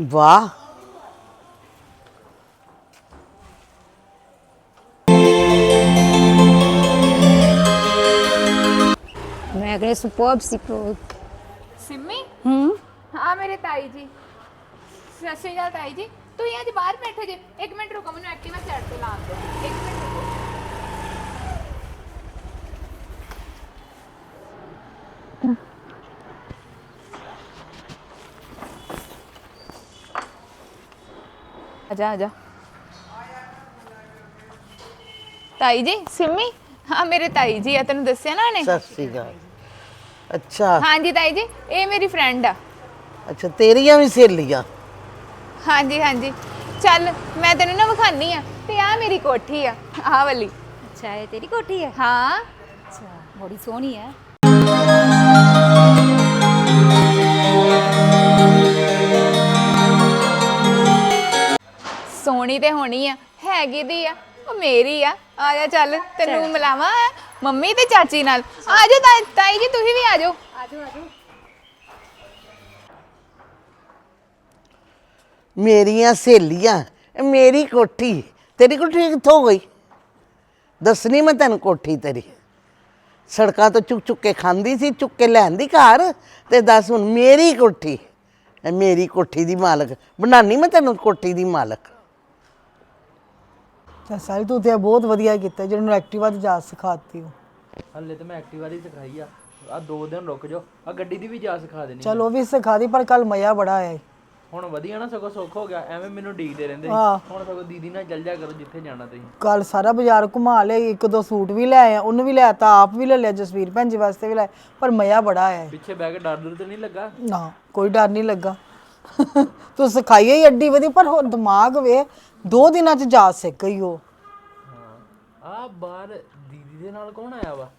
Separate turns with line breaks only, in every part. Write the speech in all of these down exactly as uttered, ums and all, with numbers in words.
वाह
मैं अगले सुपर्ब सुपर्ब
सिमी
हम्म
हाँ मेरे ताई जी सत श्री अकाल ताई जी ਤੁਸੀਂ ਅੱਜ ਬਾਹਰ ਬੈਠੇ ਜੇ ਇੱਕ ਮਿੰਟ ਰੁਕੋ ਮੈਨੂੰ ਐਕਟਿਵਾ ਸਾਈਡ ਤੇ ਲਾਉਣ ਦਿਓ ਇੱਕ ਮਿੰਟ ਰੁਕੋ आजा आजा ताई जी सिमी हाँ मेरे ताई जी है तेन दसिया ना ने
सत श्री अकाल अच्छा
हाँ जी ताई जी ये मेरी फ्रेंड आ
अच्छा तेरिया भी सहेलियां
हाँ जी हाँ जी चल मैं तेन ना विखानी आ ते आ मेरी कोठी आ आ वाली
अच्छा ये तेरी कोठी है
हाँ
अच्छा बड़ी सोहनी है
सोहनी ते होनी आ हैगी दी आ ਉਹ ਮੇਰੀ ਆ ਆ ਜਾ ਚੱਲ ਤੈਨੂੰ ਮਿਲਾਵਾਂ ਮੰਮੀ ਤੇ ਚਾਚੀ ਨਾਲ ਆ ਜਾ ਤਾਈ ਤਾਈ ਜੀ ਤੁਸੀਂ ਵੀ ਆ ਜਾਓ
आ जाओ आ जाओ
ਮੇਰੀਆਂ ਸਹੇਲੀਆਂ ਇਹ ਮੇਰੀ ਕੋਠੀ ਤੇਰੀ ਕੋਠੀ ਕਿੱਥੋਂ ਗਈ ਦੱਸਣੀ ਮੈਂ ਤੈਨੂੰ ਕੋਠੀ ਤੇਰੀ ਸੜਕਾਂ ਤੋਂ ਚੁੱਕ ਚੁੱਕ ਕੇ ਖਾਂਦੀ ਸੀ ਚੁੱਕ ਕੇ ਲੈਂਦੀ ਘਰ ਤੇ ਦੱਸ ਹੁਣ ਮੇਰੀ ਕੋਠੀ ਇਹ ਮੇਰੀ ਕੋਠੀ ਦੀ ਮਾਲਕ ਬਣਾਣੀ ਮੈਂ ਤੈਨੂੰ ਕੋਠੀ ਦੀ ਮਾਲਕ
ਤਾਂ ਸਾਰੀ ਤੂੰ ਤੇ ਬਹੁਤ ਵਧੀਆ ਕੀਤਾ ਜਿਹਨੂੰ ਐਕਟਿਵਾ ਦੀ ਜਾਚ ਸਿਖਾਤੀ ਹੋ
ਹੱਲੇ ਤੇ ਮੈਂ ਐਕਟਿਵਾ ਦੀ ਸਿਖਾਈ ਆ ਆ ਦੋ ਦਿਨ ਰੁਕ ਜਾਓ ਆ ਗੱਡੀ ਦੀ ਵੀ ਜਾ ਸਿਖਾ ਦੇਣੀ
ਚਲ ਉਹ ਵੀ ਸਿਖਾ ਦੀ ਪਰ ਕੱਲ ਮਜ਼ਾ ਬੜਾ ਆਇਆ ਈ।
ਹੁਣ ਵਧੀਆ ਨਾ ਸਗੋਂ ਸੁੱਖ ਹੋ ਗਿਆ ਐਵੇਂ ਮੈਨੂੰ ਡੀਕਦੇ ਰਹਿੰਦੇ ਸੀ।
ਹਾਂ।
ਹੁਣ ਸਗੋਂ ਦੀਦੀ ਨਾਲ ਚੱਲ ਜਾ ਕਰੋ ਜਿੱਥੇ ਜਾਣਾ ਤੁਸੀਂ
ਕੱਲ ਸਾਰਾ ਬਾਜ਼ਾਰ ਘੁਮਾ ਲਿਆ ਇੱਕ ਦੋ ਸੂਟ ਵੀ ਲੈ ਆਇਆ ਉਹਨੂੰ ਵੀ ਲੈ ਤਾ ਆਪ ਵੀ ਲੈ ਲਿਆ ਜਸਵੀਰ ਭੈਣ ਜੀ ਵਾਸਤੇ ਵੀ ਲੈ ਪਰ ਮਜ਼ਾ ਬੜਾ ਆਇਆ ਈ।
ਪਿੱਛੇ ਬਹਿ ਕੇ ਡਰ ਡਰ ਤੇ ਨਹੀਂ ਲੱਗਾ
ਨਾ ਕੋਈ ਡਰ ਨਹੀਂ ਲੱਗਾ ਤੂੰ ਸਿਖਾਈ ਹੀ ਅੱਡੀ ਵਧੀ ਪਰ ਹੋਰ ਦਿਮਾਗ ਵੇ ਦੋ ਦਿਨਾਂ ਚ ਜਾ ਸਿੱਖ ਗਈ ਉਹ
ਹਾਂ ਆ ਬਾਹਰ ਦੀਦੀ ਦੇ ਨਾਲ ਕੌਣ ਆਇਆ ਵਾ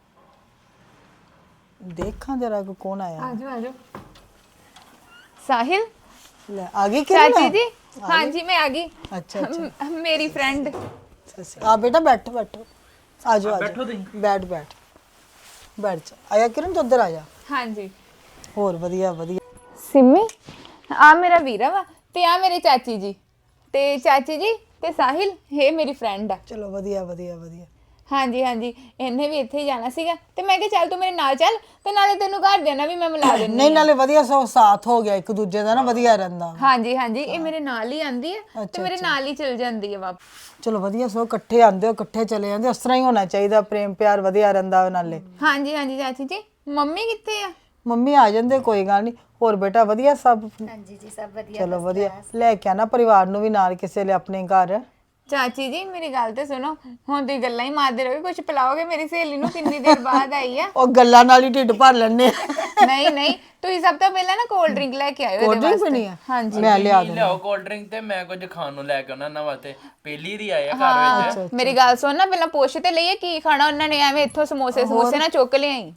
ਦੇਖਾਂ ਜਰਾ ਕੋ ਕੌਣ ਆਇਆ
ਆ ਜਾਓ ਆ ਜਾਓ ਸਾਹਿਲ
ਲੈ ਆ ਗਈ ਕਿਰਨ
ਚਾਚੀ जी हाँ जी मैं आ गई
अच्छा अच्छा
म- मेरी फ्रेंड
ਆ ਬੇਟਾ ਬੈਠੋ ਬੈਠੋ ਆ ਜਾਓ ਆ
ਬੈਠੋ
ਜਾਓ
ਤੁਸੀਂ
ਬੈਠ ਬੈਠ ਬੈਠ ਜਾ ਆਇਆ ਕਿਰਨ ਤੂੰ ਉੱਧਰ ਆ ਜਾ
हाँ जी
ਹੋਰ ਵਧੀਆ ਵਧੀਆ
सिमी आ मेरा वीरा वा ते आ मेरे चाची जी ते चाची जी ते साहिल ये मेरी फ्रेंड आ
ਚਲੋ ਵਧੀਆ ਵਧੀਆ ਵਧੀਆ
हाँ जी हाँ जी इन्हें भी इत्थे ही जाना सीगा ते मैं कहा चल तू मेरे नाल चल ते नाले तेनू घर देना भी मैं मिला देनी
ਨਹੀਂ ਨਾਲੇ ਵਧੀਆ ਸੋ ਸਾਥ ਹੋ ਗਿਆ ਇੱਕ ਦੂਜੇ ਦਾ ਨਾ ਵਧੀਆ ਰਹਿੰਦਾ
हाँ जी हाँ जी ये मेरे नाल ही आंदी है ते मेरे नाल ही चल जांदी है वापस
ਚਲੋ ਵਧੀਆ ਸੋ ਇਕੱਠੇ ਆਂਦੇ ਹੋ ਇਕੱਠੇ ਚਲੇ ਜਾਂਦੇ ਉਸ ਤਰ੍ਹਾਂ ਹੀ ਹੋਣਾ ਚਾਹੀਦਾ ਪ੍ਰੇਮ ਪਿਆਰ ਵਧੀਆ ਰਹਿੰਦਾ ਉਹ ਨਾਲੇ
हाँ जी हाँ जी चाची जी मम्मी कित्थे आ
ਮੰਮੀ ਆ ਜਾਂਦੇ ਕੋਈ ਗੱਲ ਨਹੀਂ ਹੋਰ ਬੇਟਾ ਵਧੀਆ ਸਭ
हाँ जी जी सब बढ़िया
ਚਲੋ ਵਧੀਆ ਲੈ ਕੇ ਆਣਾ ਪਰਿਵਾਰ ਨੂੰ ਵੀ ਨਾਲ ਕਿਸੇ ਲਈ ਆਪਣੇ ਘਰ
ਚਾਚੀ ਜੀ ਮੇਰੀ ਗੱਲ ਤੇ ਸੁਣੋ ਹੁਣ ਤੁਸੀਂ ਗੱਲਾਂ ਹੀ ਮਾਰਦੇ ਰਹੋਗੇ ਕੁਝ ਪਿਲਾਓਗੇ ਮੇਰੀ ਸਹੇਲੀ ਨੂੰ ਕਿੰਨੀ ਦੇਰ ਬਾਅਦ ਆਈ ਆ
ਉਹ ਗੱਲਾਂ ਨਾਲ ਹੀ ਢਿੱਡ ਭਰ ਲੈਣੇ
ਨਹੀਂ ਨਹੀਂ ਤੁਸੀਂ ਸਭ ਤੋਂ ਪਹਿਲਾਂ ਨਾ ਕੋਲਡ ਡਰਿੰਕ ਲੈ ਕੇ ਆਇਓ
ਕੋਲਡ ਡਰਿੰਕ ਪੀਣੀ ਆ
ਹਾਂਜੀ
ਮੈਂ ਲਿਆ
ਕੀ ਲਿਆਓ ਕੋਲਡ ਡਰਿੰਕ ਤੇ ਮੈਂ ਕੁਝ ਖਾਣ ਨੂੰ ਲੈ ਕੇ ਉਹਨਾਂ ਨਾਲ ਵਾਸਤੇ ਪਹਿਲੀ ਦੀ ਆਏ ਆ ਘਰ ਵਿੱਚ
ਮੇਰੀ ਗੱਲ ਸੁਣ ਨਾ ਪਹਿਲਾਂ ਪੁੱਛ ਤੇ ਲਈਏ ਕੀ ਖਾਣਾ ਉਹਨਾਂ ਨੇ ਐਵੇਂ ਇੱਥੋਂ ਸਮੋਸੇ ਸਮੋਸੇ ਨਾ ਚੁੱਕ ਲਿਆਈ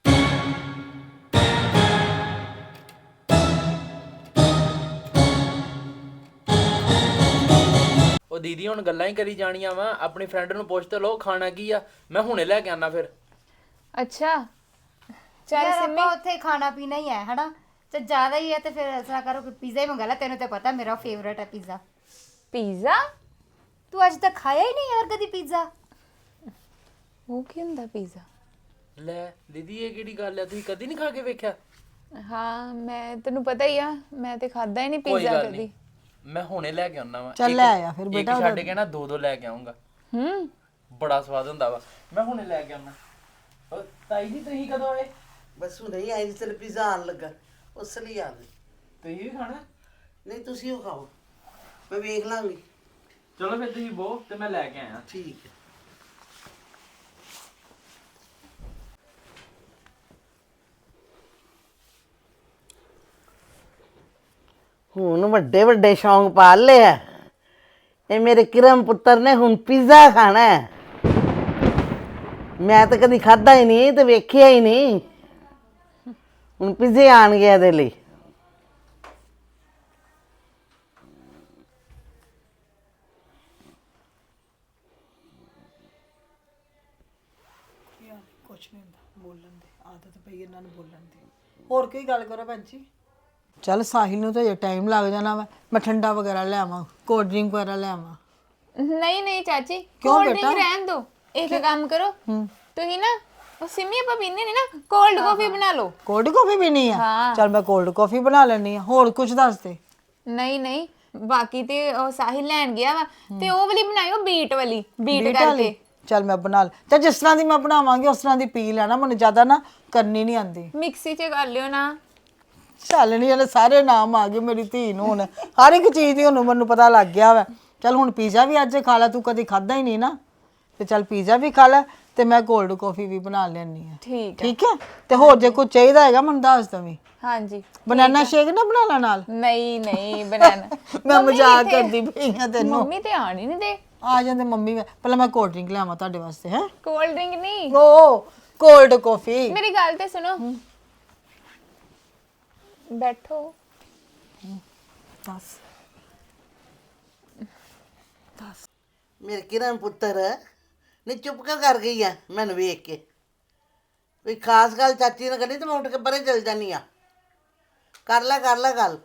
ਉਹ ਦੀਦੀ ਹੁਣ ਗੱਲਾਂ ਹੀ ਕਰੀ ਜਾਣੀਆਂ ਵਾ ਆਪਣੀ ਫਰੈਂਡ ਨੂੰ ਪੁੱਛ ਤੇ ਲਓ ਖਾਣਾ ਕੀ ਆ ਮੈਂ ਹੁਣੇ ਲੈ ਕੇ ਆਣਾ ਫਿਰ
ਅੱਛਾ ਚੱਲ
यार
ਸਿੰਮੀ
ਆਪਾਂ ਉੱਥੇ ਖਾਣਾ ਪੀਣਾ ਹੀ ਹੈ ਹਨਾ ਤੇ ਜ਼ਿਆਦਾ ਹੀ ਹੈ ਤੇ ਫਿਰ ਐਸਾ ਕਰੋ ਕਿ ਪੀਜ਼ਾ ਹੀ ਮੰਗਾ ਲੈ ਤੈਨੂੰ ਤੇ ਪਤਾ ਮੇਰਾ ਫੇਵਰਟ ਹੈ ਪੀਜ਼ਾ
ਪੀਜ਼ਾ
ਤੂੰ ਅੱਜ ਤੱਕ ਖਾਇਆ ਹੀ ਨਹੀਂ ਯਾਰ ਕਦੀ ਪੀਜ਼ਾ
ਉਹ ਕੀ ਹੁੰਦਾ ਪੀਜ਼ਾ
ਲੈ ਦੀਦੀ ਇਹ ਕਿਹੜੀ ਗੱਲ ਆ ਤੁਸੀਂ ਕਦੀ ਨਹੀਂ ਖਾ ਕੇ ਵੇਖਿਆ
ਹਾਂ ਮੈਂ ਤੈਨੂੰ ਪਤਾ ਹੀ ਆ ਮੈਂ ਤੇ ਖਾਦਾ ਹੀ ਨਹੀਂ
ਕੋਈ
ਪੀਜ਼ਾ
ਗੱਲ
ਕਦੀ
ਨਹੀਂ ਮੈਂ ਹੁਣੇ ਲੈ ਕੇ ਆਉਣਾ ਵਾ
ਚੱਲ
ਇੱਕ-
ਲੈ ਆਇਆ ਫਿਰ
ਇੱਕ
ਬੇਟਾ
ਛੱਡ ਕੇ ਨਾ ਦੋ ਦੋ ਲੈ ਕੇ ਆਉਂਗਾ
ਹੂੰ
ਬੜਾ ਸਵਾਦ ਹੁੰਦਾ ਵਾ ਮੈਂ ਹੁਣੇ ਲੈ ਕੇ ਆਉਣਾ ਉਹ ਤਾਈ ਜੀ ਤੁਸੀਂ ਕਦੋਂ ਆਏ
ਬਸ ਹੁਣ ਹੀ ਆਈ ਤੇ ਪੀਜ਼ਾ ਆਣ ਲੱਗਾ ਉਸ ਲਈ ਆ ਗਈ
ਤੁਸੀਂ ਵੀ ਖਾਣਾ
ਨਹੀਂ ਤੁਸੀਂ ਉਹ ਖਾਓ ਮੈਂ ਵੇਖ ਲਾਂਗੀ
ਚਲੋ ਫਿਰ ਤੁਸੀਂ ਬੋ ਤੇ ਮੈਂ ਲੈ ਕੇ ਆਇਆ
ਠੀਕ ਹੈ ਹੁਣ ਵੱਡੇ ਵੱਡੇ ਸ਼ੌਂਕ ਪਾਲ ਲਿਆ ਇਹ ਮੇਰੇ ਕਿਰਮ ਪੁੱਤਰ ਨੇ ਹੁਣ ਪੀਜ਼ਾ ਖਾਣਾ ਹੈ ਮੈਂ ਤਾਂ ਕਦੀ ਖਾਦਾ ਹੀ ਨਹੀਂ ਤੇ ਵੇਖਿਆ ਹੀ ਨਹੀਂ ਹੁਣ ਪੀਜ਼ੇ ਆਣਗੇ ਇਹਦੇ ਲਈ
ਕੁਛ ਨਹੀਂ ਹੁੰਦਾ ਬੋਲਣ ਦੇ ਆਦਤ ਪਈ ਇਹਨਾਂ ਨੂੰ ਬੋਲਣ ਦੀ ਹੋਰ ਕੋਈ ਗੱਲ ਕਰੋ ਭੈਣ ਜੀ ਚੱਲ ਸਾਹਿਲ ਨੂੰ ਤਾਂ ਜੇ ਟਾਈਮ ਲੱਗ ਜਾਣਾ ਵਾ ਮੈਂ ਠੰਡਾ ਵਗੈਰਾ ਲੈ ਆਵਾਂ ਕੋਲਡ ਡਰਿੰਕ ਵਗੈਰਾ ਲੈ ਆਵਾਂ
ਨਹੀਂ ਨਹੀਂ ਚਾਚੀ
ਕਿਉਂ
ਕੋਲਡ
ਬੇਟਾ?
ਡਰਿੰਕ ਰਹਿਣ ਦੋ ਇੱਕ ਕੰਮ ਕਰੋ ਤੁਸੀਂ ਨਾ ਉਹ ਸਿਮੀ ਆਪਾਂ ਪੀਂਦੇ ਨੇ ਨਾ ਕੋਲਡ ਕਾਫੀ ਬਣਾ ਲਓ
ਕੋਲਡ ਕਾਫੀ ਪੀਣੀ ਆ
ਹਾਂ।
ਚੱਲ ਮੈਂ ਕੋਲਡ ਕਾਫੀ ਬਣਾ ਲੈਣੀ ਆ ਹੋਰ ਕੁਝ ਦੱਸ ਦੇ
ਨਹੀਂ ਨਹੀਂ ਬਾਕੀ ਤੇ ਉਹ ਸਾਹਿਲ ਲੈਣ ਗਿਆ ਵਾ ਤੇ ਉਹ ਵਾਲੀ ਬਣਾਇਓ ਬੀਟ ਵਾਲੀ ਬੀਟ
ਬੀਟ
ਕਰਕੇ
ਵਾਲੀ? ਚੱਲ ਮੈਂ ਬਣਾ ਲ ਤੇ ਜਿਸ ਤਰ੍ਹਾਂ ਦੀ ਮੈਂ ਬਣਾਵਾਂਗੀ ਉਸ ਤਰ੍ਹਾਂ ਦੀ ਪੀ ਲੈਣਾ ਮੈਨੂੰ ਜ਼ਿਆਦਾ ਨਾ ਕਰਨੀ ਨਹੀਂ ਆਂਦੀ
ਮਿਕਸੀ 'ਚ ਕਰ ਲਿਓ ਨਾ
ਚੱਲ ਨਹੀਂ ਇਹਨੇ ਸਾਰੇ ਨਾਮ ਆ ਗਏ ਮੇਰੀ ਧੀ ਨੂੰ ਹੁਣ ਹਰ ਇੱਕ ਚੀਜ਼ ਦੀ ਹੁਣ ਮੈਨੂੰ ਪਤਾ ਲੱਗ ਗਿਆ ਵਾ ਚੱਲ ਹੁਣ ਪੀਜ਼ਾ ਵੀ ਅੱਜ ਖਾ ਲੈ ਤੂੰ ਕਦੀ ਖਾਦਾ ਹੀ ਨਹੀਂ ਨਾ ਤੇ ਚੱਲ ਪੀਜ਼ਾ ਵੀ ਖਾ ਲੈ ਤੇ ਮੈਂ ਕੋਲਡ ਕਾਫੀ ਵੀ ਬਣਾ ਲੈਣੀ ਆ
ਠੀਕ
ਠੀਕ ਹੈ ਤੇ ਹੋਰ ਜੇ ਕੁਝ ਚਾਹੀਦਾ ਹੈਗਾ ਮੈਨੂੰ ਦੱਸ ਦਵੀਂ
ਹਾਂਜੀ
ਬਨਾਨਾ ਸ਼ੇਕ ਨਾ ਬਣਾ ਲੈ ਨਾਲ
ਨਹੀਂ ਨਹੀਂ ਬਣਾਣਾ
ਮੈਂ ਮਜ਼ਾਕ ਕਰਦੀ ਪਈ ਆ ਤੈਨੂੰ
ਮੰਮੀ ਤੇ ਆਣ ਹੀ ਨਹੀਂ ਦੇ
ਆ ਜਾਂਦੇ ਮੰਮੀ ਵੀ- ਪਹਿਲਾਂ ਮੈਂ ਕੋਲਡ ਡਰਿੰਕ ਲਿਆਵਾਂ ਤੁਹਾਡੇ ਵਾਸਤੇ ਹੈ
ਕੋਲਡ ਡਰਿੰਕ ਨਹੀਂ
ਓ ਕੋਲਡ ਕਾਫੀ
ਮੇਰੀ ਗੱਲ ਤੇ ਸੁਣੋ ਬੈਠੋ
ਦੱਸ
ਮੇਰੇ ਕਿਰਨ ਪੁੱਤਰ ਨਹੀਂ ਚੁੱਪ ਕਿਉਂ ਕਰ ਗਈ ਆ ਮੈਨੂੰ ਵੇਖ ਕੇ ਕੋਈ ਖਾਸ ਗੱਲ ਚਾਚੀ ਨੇ ਕਰਨੀ ਤੇ ਮੈਂ ਉੱਠ ਕੇ ਪਰੇ ਚਲ ਜਾਨੀ ਆ ਕਰ ਲੈ ਕਰ ਲੈ ਗੱਲ